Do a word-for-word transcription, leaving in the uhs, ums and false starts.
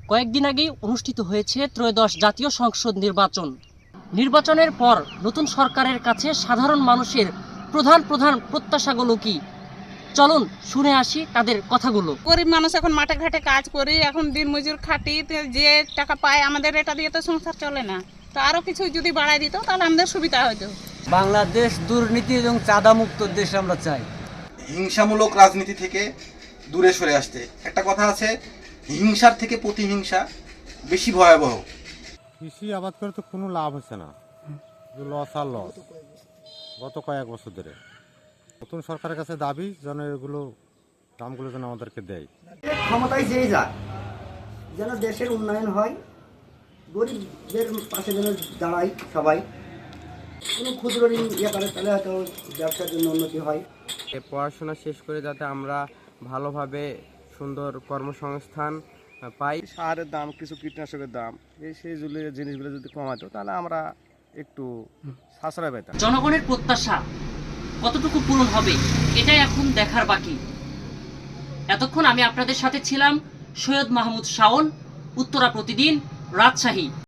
কয়েকদিন আগেই অনুষ্ঠিত হয়েছে ত্রয়োদশ জাতীয় সংসদ নির্বাচন। নির্বাচনের পর নতুন সরকারের কাছে সাধারণ মানুষের প্রধান প্রধান প্রত্যাশাগুলো কি, চলুন শুনে আসি তাদের কথাগুলো। গরিব মানুষ এখন মাঠে ঘাটে কাজ করি, এখন দিন মজুর খাটি, যে টাকা পায় আমাদের এটা দিয়ে তো সংসার চলে না। তো আরো কিছু যদি বাড়াই দিত তাহলে আমাদের সুবিধা হতো। বাংলাদেশ দুর্নীতি এবং চাঁদামুক্ত দেশ আমরা চাই। হিংসামূলক রাজনীতি থেকে দূরে সরে আসতে। একটা কথা আছে, হিংসার থেকে প্রতিহিংসা বেশি ভয়াবহ। কৃষি আবাদ করে তো কোনো লাভ হচ্ছে না, লস আর লস গত কয়েক বছর ধরে। নতুন সরকারের কাছে দাবি যেন এগুলো দামগুলো যেন আমাদেরকে দেয়। ক্ষমতায় যেই যাক, যেন দেশের উন্নয়ন হয়, গরিবদের পাশে যেন দাঁড়ায় সবাই। কোনো ক্ষুদ্র ঋণ ইয়ে করে তাহলে হয়তো ব্যবসার জন্য উন্নতি হয়। পড়াশোনা শেষ করে যাতে আমরা ভালোভাবে সুন্দর কর্মসংস্থান পাই। সারের দাম, কিছু কীটনাশকের দাম, এই সেই জিনিসগুলো যদি কমাতো তাহলে আমরা একটু সাশ্রয় পেতাম। জনগণের প্রত্যাশা কতটুকু পূরণ হবে এটাই এখন দেখার বাকি। এতক্ষণ আমি আপনাদের সাথে ছিলাম সৈয়দ মাহমুদ শাওন, উত্তরা প্রতিদিন, রাজশাহী।